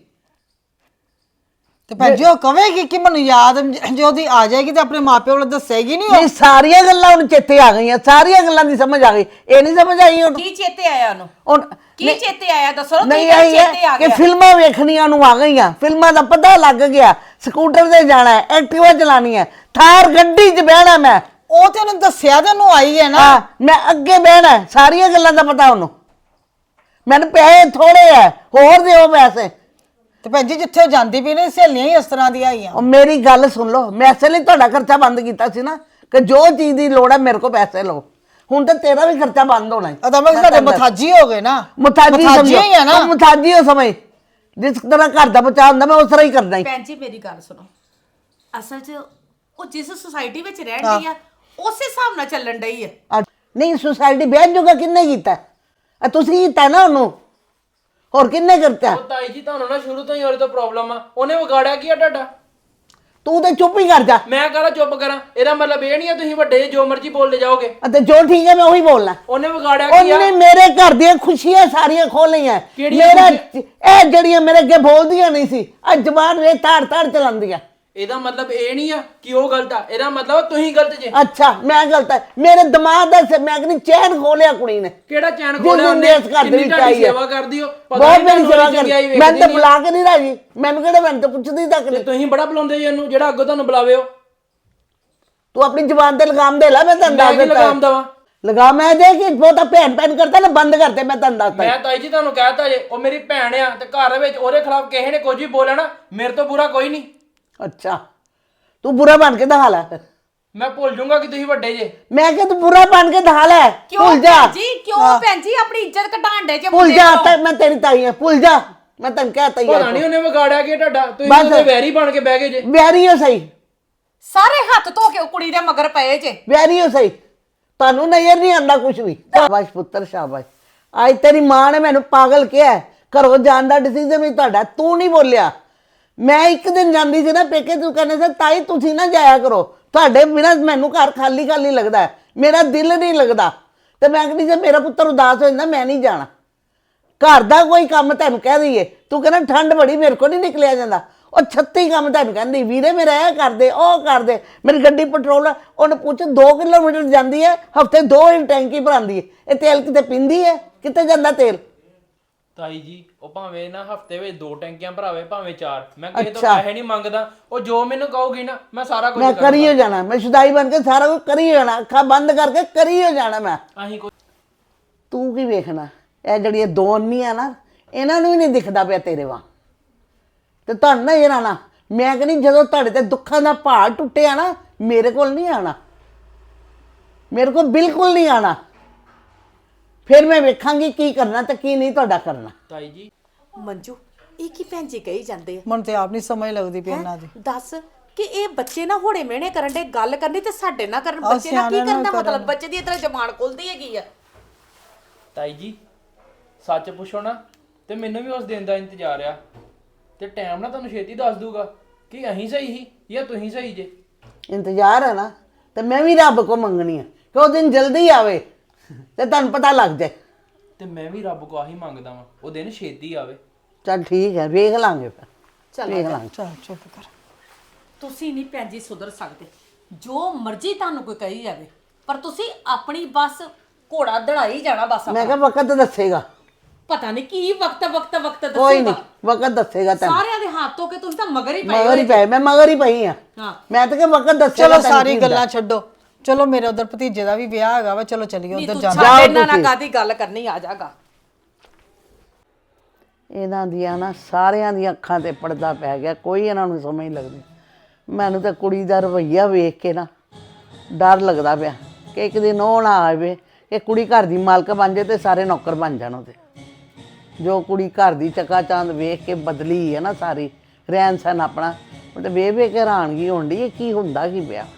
ਤੇ ਭੈਣ ਜੀ ਉਹ ਕਵੇਗੀ ਕਿ ਮੈਨੂੰ ਯਾਦ ਜੇ ਉਹਦੀ ਆ ਜਾਏਗੀ ਤੇ ਆਪਣੇ ਮਾਪਿਓ ਨੂੰ ਦੱਸੇਗੀ ਨਹੀਂ ਉਹ?
ਨਹੀਂ ਸਾਰੀਆਂ ਗੱਲਾਂ ਉਹਨੂੰ ਚੇਤੇ ਆ ਗਈਆਂ, ਸਾਰੀਆਂ ਗੱਲਾਂ ਦੀ ਸਮਝ ਆ ਗਈ। ਇਹ ਨਹੀਂ ਸਮਝ ਆਈ ਉਹਨੂੰ?
ਕੀ ਚੇਤੇ ਆਇਆ ਉਹਨੂੰ?
ਹੁਣ
ਕੀ ਚੇਤੇ ਆਇਆ ਦੱਸੋ?
ਨਹੀਂ ਆਈ ਹੈ ਕਿ ਫਿਲਮਾਂ ਵੇਖਣੀਆਂ ਨੂੰ ਆ ਗਈਆਂ, ਫਿਲਮਾਂ ਦਾ ਪਤਾ ਲੱਗ ਗਿਆ, ਸਕੂਟਰ ਤੇ ਜਾਣਾ ਹੈ, ਐਕਟਿਵਾ ਚਲਾਣੀ ਹੈ, ਥਾਰ ਗੱਡੀ 'ਚ ਬਹਿਣਾ ਮੈਂ।
ਉਹ ਤੇ ਉਹਨੇ ਦੱਸਿਆ ਤੇ ਉਹਨੂੰ ਆਈ ਹੈ ਨਾ।
ਹਾਂ ਮੈਂ ਅੱਗੇ ਬਹਿਣਾ ਹੈ, ਸਾਰੀਆਂ ਗੱਲਾਂ ਦਾ ਪਤਾ ਉਹਨੂੰ। ਮੈਨੂੰ ਪੈਸੇ ਥੋੜੇ ਹੈ, ਹੋਰ ਦਿਓ ਪੈਸੇ।
ਤੇ ਭੈਣ ਜੀ ਜਿੱਥੇ ਉਹ ਜਾਂਦੀ ਵੀ ਨੇ ਸਹੇਲੀਆਂ ਹੀ ਇਸ ਤਰ੍ਹਾਂ ਦੀਆਂ ਆਈਆਂ।
ਉਹ ਮੇਰੀ ਗੱਲ ਸੁਣ ਲਓ, ਮੈਂ ਇਸੇ ਲਈ ਤੁਹਾਡਾ ਖਰਚਾ ਬੰਦ ਕੀਤਾ ਸੀ ਨਾ ਕਿ ਜੋ ਚੀਜ਼ ਦੀ ਲੋੜ ਹੈ ਮੇਰੇ ਕੋਲ ਪੈਸੇ ਲਓ। ਹੁਣ ਤਾਂ ਤੇਰਾ ਵੀ ਖਰਚਾ ਬੰਦ ਹੋਣਾ ਹੈ।
ਅਦਾ ਮੈਂ ਸਾਡੇ ਮਥਾਜੀ ਹੋ ਗਏ ਨਾ,
ਮੁਤਾਜੀ
ਮੁਥਾਜੀ ਹੀ ਆ ਨਾ।
ਮੁਤਾਜੀ ਹੋ ਸਮਝ, ਜਿਸ ਤਰ੍ਹਾਂ ਘਰ ਦਾ ਬਚਾਅ ਹੁੰਦਾ ਮੈਂ ਉਸ ਤਰ੍ਹਾਂ ਹੀ ਕਰਦਾ ਹੀ।
ਭੈਣ ਜੀ ਮੇਰੀ ਗੱਲ ਸੁਣੋ, ਅਸਲ 'ਚ ਉਹ ਜਿਸ ਸੁਸਾਇਟੀ ਵਿੱਚ ਰਹਿਣ ਡਈ ਆ ਉਸੇ ਹਿਸਾਬ ਨਾਲ ਚੱਲਣ ਡਈ ਆ।
ਆ, ਨਹੀਂ ਸੁਸਾਇਟੀ ਵਿਆਹ ਜੋਗਾ ਕਿੰਨੇ ਕੀਤਾ? ਆ ਤੁਸੀਂ ਕੀਤਾ ਨਾ ਉਹਨੂੰ, ਹੋਰ ਕਿੰਨੇ ਕਰਤਾ?
ਉਹ ਤਾਈ ਜੀ ਤੁਹਾਨੂੰ ਨਾ ਸ਼ੁਰੂ ਤੋਂ ਹੀ ਉਹਦੇ ਤੋਂ ਪ੍ਰੋਬਲਮ ਆ। ਉਹਨੇ ਵਿਗਾੜਿਆ ਕੀ ਆ ਤੁਹਾਡਾ?
ਤੂੰ ਤੇ ਚੁੱਪ ਹੀ ਕਰ ਜਾ।
ਮੈਂ ਕਹਲਾ ਚੁੱਪ ਕਰਾਂ, ਇਹਦਾ ਮਤਲਬ ਇਹ ਨਹੀਂ ਆ ਤੁਸੀਂ ਵੱਡੇ ਜੇ ਜੋ ਮਰਜ਼ੀ ਬੋਲਦੇ ਜਾਓਗੇ।
ਅਤੇ ਜੋ ਠੀਕ ਹੈ ਮੈਂ ਉਹੀ ਬੋਲਣਾ।
ਉਹਨੇ ਵਿਗਾੜਿਆ ਕੀ ਆ?
ਉਹਨੇ ਮੇਰੇ ਘਰ ਦੀਆਂ ਖੁਸ਼ੀਆਂ ਸਾਰੀਆਂ ਖੋਹ ਲਈਆਂ।
ਕਿਹੜੀਆਂ
ਮੇਰਾ
ਖੁਸ਼ੀਆਂ?
ਇਹ ਜਿਹੜੀਆਂ ਮੇਰੇ ਅੱਗੇ ਬੋਲਦੀਆਂ ਨਹੀਂ ਸੀ, ਅੱਜ ਜ਼ਬਾਨ ਰੇ ਤਾੜ ਤਾੜ ਚਲਾਉਂਦੀਆਂ।
ਇਹਦਾ ਮਤਲਬ ਇਹ ਨਹੀਂ ਆ ਕਿ ਉਹ ਗਲਤ ਆ, ਇਹਦਾ ਮਤਲਬ ਤੁਸੀਂ ਗਲਤ ਜੇ।
ਅੱਛਾ ਮੈਂ ਗਲਤ ਹੈ, ਮੇਰੇ ਦਿਮਾਗ ਦਾ ਸ- ਮੈਂ ਕਹਿੰਦੀ ਚੈਨ ਖੋਲਿਆ ਕੁੜੀ ਨੇ।
ਕਿਹੜਾ ਚੈਨ
ਜਿਸ
ਖੋਲਿਆ
ਦਿਨ
ਉਹਨੇ?
ਦੇ ਇਸ ਘਰ ਦੇ
ਕਿੰਨੀ
ਵਿੱਚ
ਤੁਹਾਡੀ
ਆਈ ਹੈ।
ਸੇਵਾ ਕਰਦੀ ਹੋ, ਪਤਾ
ਬਹੁਤ
ਨਹੀਂ
ਮੇਰੀ
ਤੁਹਾਨੂੰ
ਸੇਵਾ
ਉਹਦੀ ਚੰਗਿਆਈ
ਕਰ,
ਵੇਖਦੀ
ਮੈਂ ਤਾਂ
ਨਹੀਂ ਆ।
ਬੁਲਾ ਕੇ ਨਹੀਂ ਰਾਜੀ। ਮੈਨੂੰ ਕਿਹੜਾ ਮੈਨੂੰ ਤਾਂ ਪੁੱਛਦੀ ਤੱਕ
ਤੇ
ਨਹੀਂ।
ਤੁਸੀਂ ਬੜਾ ਬੁਲਾਉਂਦੇ ਜੀ ਇਹਨੂੰ, ਜਿਹੜਾ ਅੱਗੋਂ ਤੁਹਾਨੂੰ ਬੁਲਾਵੇ ਉਹ।
ਤੂੰ ਆਪਣੀ ਜ਼ੁਬਾਨ ਤੇ ਲਗਾਮ ਦੇ ਲੈ, ਮੈਂ ਤੈਨੂੰ
ਮੈਂ
ਦੱਸ
ਕੀ
ਦਿੱਤਾ
ਲਗਾਮ ਦੇਵਾਂ?
ਲਗਾਮ ਮੈਂ ਦੇ ਕਿ ਬਹੁਤਾ ਭੈਣ ਭੈਣ ਕਰਦਾ ਨਾ ਬੰਦ ਕਰਦੇ, ਮੈਂ ਤੈਨੂੰ ਦੱਸਦਾ।
ਮੈਂ ਤਾਈ ਜੀ ਤੁਹਾਨੂੰ ਕਹਿਤਾ ਜੇ ਉਹ ਮੇਰੀ ਭੈਣ ਆ ਤੇ ਘਰ ਵਿੱਚ ਉਹਦੇ ਖਿਲਾਫ ਕਿਸੇ ਨੇ ਕੁਝ ਵੀ ਬੋਲਿਆ ਨਾ, ਮੇਰੇ ਤੋਂ ਬੁਰਾ ਕੋਈ ਨਹੀਂ।
ਅੱਛਾ ਤੂੰ ਬੁਰਾ ਬਣ ਕੇ ਦਿਖਾ ਲੈ।
ਮੈਂ ਭੁੱਲ ਜਾਊਂਗਾ ਕਿ ਤੁਸੀਂ ਵੱਡੇ ਜੇ।
ਮੈਂ ਕਿਹਾ ਤੂੰ ਬੁਰਾ ਬਣ ਕੇ ਦਿਖਾ ਲੈ।
ਕਿਉਂ
ਭੁੱਲ ਜਾ,
ਭੈਣ ਜੀ, ਕਿਉਂ ਭੈਣ ਜੀ ਆਪਣੀ ਇੱਜ਼ਤ ਘਟਾਣ ਡੇ ਜੇ
ਭੁੱਲ
ਮੁੰਡੇ
ਜਾ,
ਕੋਲੋਂ?
ਤਾਂ ਮੈਂ ਤੇਰੀ ਤਾਈ ਹਾਂ, ਭੁੱਲ ਜਾ। ਮੈਂ ਤੈਨੂੰ ਕਹਿਤਾ ਹੀ
ਪਤਾ ਨਹੀਂ ਉਹਨੇ ਵਿਗਾੜਿਆ ਕੀ ਤੁਹਾਡਾ, ਤੁਸੀਂ
ਬਸ।
ਉਹਦੇ ਵੈਰੀ ਬਣ ਕੇ ਬਹਿ ਗਏ ਜੇ।
ਵਿਆਰੀ ਹੋ ਸਹੀ,
ਸਾਰੇ ਹੱਥ ਧੋ ਕੇ ਉਹ ਕੁੜੀ ਦੇ ਮਗਰ ਪਏ ਜੇ।
ਵਿਆਰੀ ਹੋ ਸਹੀ, ਤੁਹਾਨੂੰ ਨਜ਼ਰ ਨਹੀਂ ਆਉਂਦਾ ਕੁਝ ਵੀ। ਸ਼ਾਬਾਸ਼ ਪੁੱਤਰ ਸ਼ਾਬਾਸ਼। ਅੱਜ ਤੇਰੀ ਮਾਂ ਨੇ ਮੈਨੂੰ ਪਾਗਲ ਕਿਹਾ, ਘਰੋਂ ਜਾਣ ਦਾ ਡਿਸੀਜਨ ਵੀ ਤੁਹਾਡਾ, ਤੂੰ ਨਹੀਂ ਬੋਲਿਆ। ਮੈਂ ਇੱਕ ਦਿਨ ਜਾਂਦੀ ਸੀ ਨਾ ਪੇਕੇ, ਤੂੰ ਕਹਿੰਦੇ ਸੀ ਤਾਈ ਤੁਸੀਂ ਨਾ ਜਾਇਆ ਕਰੋ, ਤੁਹਾਡੇ ਬਿਨਾਂ ਮੈਨੂੰ ਘਰ ਖਾਲੀ ਖਾਲੀ ਲੱਗਦਾ ਹੈ, ਮੇਰਾ ਦਿਲ ਨਹੀਂ ਲੱਗਦਾ। ਤੇ ਮੈਂ ਕਹਿੰਦੀ ਜੇ ਮੇਰਾ ਪੁੱਤਰ ਉਦਾਸ ਹੋ ਜਾਂਦਾ ਮੈਂ ਨਹੀਂ ਜਾਣਾ। ਘਰ ਦਾ ਕੋਈ ਕੰਮ ਤੈਨੂੰ ਕਹਿ ਦਈਏ, ਤੂੰ ਕਹਿੰਦਾ ਠੰਡ ਬੜੀ ਮੇਰੇ ਕੋਲ ਨਹੀਂ ਨਿਕਲਿਆ ਜਾਂਦਾ। ਉਹ ਛੱਤੀ ਕੰਮ ਤੈਨੂੰ ਕਹਿੰਦੀ ਵੀਰੇ ਮੇਰਾ ਇਹ ਕਰਦੇ ਉਹ ਕਰਦੇ। ਮੇਰੀ ਗੱਡੀ ਪੈਟਰੋਲ ਉਹਨੂੰ ਪੁੱਛ ਦੋ ਕਿਲੋਮੀਟਰ ਜਾਂਦੀ ਹੈ, ਹਫਤੇ ਦੋ ਵਾਰੀ ਟੈਂਕੀ ਭਰਾਉਂਦੀ ਹੈ। ਇਹ ਤੇਲ ਕਿਤੇ ਪੀਂਦੀ ਹੈ? ਕਿਤੇ ਜਾਂਦਾ ਤੇਲ?
ਤਾਈ ਜੀ ਉਹ ਭਾਵੇਂ ਨਾ ਹਫਤੇ ਵਿੱਚ ਦੋ ਟੈਂਕੀਆਂ ਭਰਾਵੇ ਭਾਵੇਂ ਚਾਰ, ਮੈਂ ਕਿਸੇ ਤੋਂ
ਅੱਛਾ।
ਪੈਸੇ ਨਹੀਂ ਮੰਗਦਾ। ਉਹ ਜੋ ਮੈਨੂੰ ਕਹੋਗੀ ਨਾ ਮੈਂ ਸਾਰਾ ਕੁਝ
ਮੈਂ ਕਰੀ ਹੋ ਜਾਣਾ, ਮੈਂ ਸ਼ੁਦਾਈ ਬਣ ਕੇ ਸਾਰਾ ਕੁਝ ਕਰੀ ਹੋ ਜਾਣਾ, ਅੱਖਾਂ ਬੰਦ ਕਰਕੇ ਕਰੀ ਹੋ ਜਾਣਾ ਮੈਂ।
ਅਸੀਂ ਕੋਈ
ਤੂੰ ਕੀ ਵੇਖਣਾ? ਇਹ ਜਿਹੜੀਆਂ ਦੋ ਅੰਨੀਆਂ ਨਾ ਇਹਨਾਂ ਨੂੰ ਵੀ ਨਹੀਂ ਦਿਖਦਾ ਪਿਆ ਤੇਰੇ ਵਾਂ। ਤੇ ਤੁਹਾਨੂੰ ਨਾ ਇਹ ਨਾ ਮੈਂ ਕਹਿੰਦੀ ਜਦੋਂ ਤੁਹਾਡੇ ਤੇ ਦੁੱਖਾਂ ਦਾ ਪਹਾੜ ਟੁੱਟਿਆ ਨਾ, ਮੇਰੇ ਕੋਲ ਨਹੀਂ ਆਣਾ, ਮੇਰੇ ਕੋਲ ਬਿਲਕੁਲ ਨਹੀਂ ਆਣਾ। ਫਿਰ ਮੈਂ ਵੇਖਾਂਗੀ ਕੀ ਕਰਨਾ ਤੇ ਕੀ ਨਹੀਂ ਤੁਹਾਡਾ ਕਰਨਾ।
ਤਾਈ ਜੀ
ਮੰਜੂ ਇਹ ਕੀ ਭੈਣ ਜੀ ਕਹੀ ਜਾਂਦੇ ਆ?
ਮੈਨੂੰ ਤੇ ਆਪ ਨਹੀਂ ਸਮਝ ਲੱਗਦੀ ਪਈ ਇਹਨਾਂ ਦੀ।
ਦੱਸ ਕਿ ਇਹ ਬੱਚੇ ਨਾ ਹੋੜੇ ਮਿਹਣੇ ਕਰਨ ਦੇ, ਗੱਲ ਕਰਨੀ ਤੇ ਸਾਡੇ ਨਾਲ ਕਰਨ।
ਆਹ
ਬੱਚੇ ਨਾਲ ਕੀ
ਸਿਆਣਿਆਂ ਨਾਲ
ਕਰਨ ਦਾ
ਕਰਨ।
ਮਤਲਬ? ਬੱਚੇ ਦੀ ਇਤਨਾ ਜ਼ਬਾਨ ਖੁੱਲਦੀ ਹੈਗੀ ਆ।
ਤਾਈ ਜੀ ਸੱਚ ਪੁੱਛੋ ਨਾ ਤੇ ਮੈਨੂੰ ਵੀ ਉਸ ਦਿਨ ਦਾ ਇੰਤਜ਼ਾਰ ਆ, ਤੇ ਟਾਈਮ ਨਾ ਤੁਹਾਨੂੰ ਛੇਤੀ ਦੱਸ ਦੂਗਾ ਕਿ ਅਸੀਂ ਸਹੀ ਸੀ ਜਾਂ ਤੁਸੀਂ ਸਹੀ ਜੇ।
ਇੰਤਜ਼ਾਰ ਹੈ ਨਾ, ਤੇ ਮੈਂ ਵੀ ਰੱਬ ਕੋ ਮੰਗਣੀ ਹੈ ਕਿ ਉਹ ਦਿਨ ਜਲਦੀ ਆਵੇ ਤੇ ਤੁਹਾਨੂੰ ਪਤਾ ਲੱਗ ਜਾਏ।
ਤੇ ਮੈਂ ਵੀ ਰੱਬ ਕੋ ਆਹੀ ਮੰਗਦਾ ਵਾਂ, ਉਹ ਦਿਨ ਛੇਤੀ ਆਵੇ।
ਚੱਲ ਠੀਕ ਹੈ, ਵੇਖ ਲਾਂਗੇ ਫਿਰ,
ਚੱਲ
ਵੇਖ ਲਾਂਗੇ।
ਚਲ ਚੁੱਪ ਕਰ।
ਤੁਸੀਂ ਨਹੀਂ ਭੈਣ ਜੀ ਸੁਧਰ ਸਕਦੇ, ਜੋ ਮਰਜ਼ੀ ਤੁਹਾਨੂੰ ਕੋਈ ਕਹੀ ਜਾਵੇ, ਪਰ ਤੁਸੀਂ ਆਪਣੀ ਬਸ ਘੋੜਾ ਦੜਾਈ ਜਾਣਾ ਬਸ।
ਮੈਂ ਕਿਹਾ ਵਕਤ ਦੱਸੇਗਾ,
ਪਤਾ ਨਹੀਂ ਕੀ ਵਕਤ ਵਕਤ ਵਕਤ
ਕੋਈ ਨਹੀਂ
ਦੱਸੂਗਾ।
ਵਕਤ ਦੱਸੇਗਾ ਤੈਨੂੰ।
ਸਾਰਿਆਂ ਦੇ ਹੱਥ ਧੋ ਕੇ ਤੁਸੀਂ ਤਾਂ ਮਗਰ ਹੀ ਪਏ
ਮਗਰ ਹੀ ਪਏ, ਮੈਂ ਮਗਰ ਹੀ ਪਈ ਆ।
ਹਾਂ।
ਮੈਂ ਤਾਂ ਕਿ ਵਕਤ ਦੱਸੇਗਾ
ਚਲੋ
ਤੈਨੂੰ
ਸਾਰੀ
ਕੀ ਹੁੰਦਾ।
ਗੱਲਾਂ ਛੱਡੋ, ਚਲੋ ਮੇਰੇ ਉਧਰ ਭਤੀਜੇ ਦਾ ਵੀ ਵਿਆਹ ਹੈਗਾ ਵਾ, ਚਲੋ ਚੱਲੀਏ
ਨਹੀਂ
ਉਧਰ
ਤੂੰ
ਜਾਣਾ।
ਛੱਡ ਇਹਨਾਂ ਨਾਲ
ਤੁਸੀਂ।
ਕਾਦੀ ਗੱਲ ਕਰਨੀ, ਆ ਜਾਗਾ।
ਇਹਨਾਂ ਦੀਆਂ ਨਾ ਸਾਰਿਆਂ ਦੀਆਂ ਅੱਖਾਂ ਤੇ ਪਰਦਾ ਪੈ ਗਿਆ, ਕੋਈ ਇਹਨਾਂ ਨੂੰ ਸਮਝ ਨਹੀਂ ਲੱਗਦੀ। ਮੈਨੂੰ ਤਾਂ ਕੁੜੀ ਦਾ ਰਵੱਈਆ ਵੇਖ ਕੇ ਨਾ ਡਰ ਲੱਗਦਾ ਪਿਆ ਕਿ ਇੱਕ ਦਿਨ ਉਹ ਨਾ ਆਵੇ ਕਿ ਕੁੜੀ ਘਰ ਦੀ ਮਾਲਕ ਬਣ ਜਾਏ ਤੇ ਸਾਰੇ ਨੌਕਰ ਬਣ ਜਾਣ ਉਹਦੇ। ਜੋ ਕੁੜੀ ਘਰ ਦੀ ਚੱਕਾ ਚਾਂਦ ਵੇਖ ਕੇ ਬਦਲੀ ਹੈ ਨਾ ਸਾਰੀ ਰਹਿਣ ਸਹਿਣ ਆਪਣਾ, ਉਹ ਤੇ ਵੇਖ ਵੇਖ ਕੇ ਹੈਰਾਨਗੀ ਹੋਣ ਡਈ ਇਹ ਕੀ ਹੁੰਦਾ ਕੀ ਪਿਆ।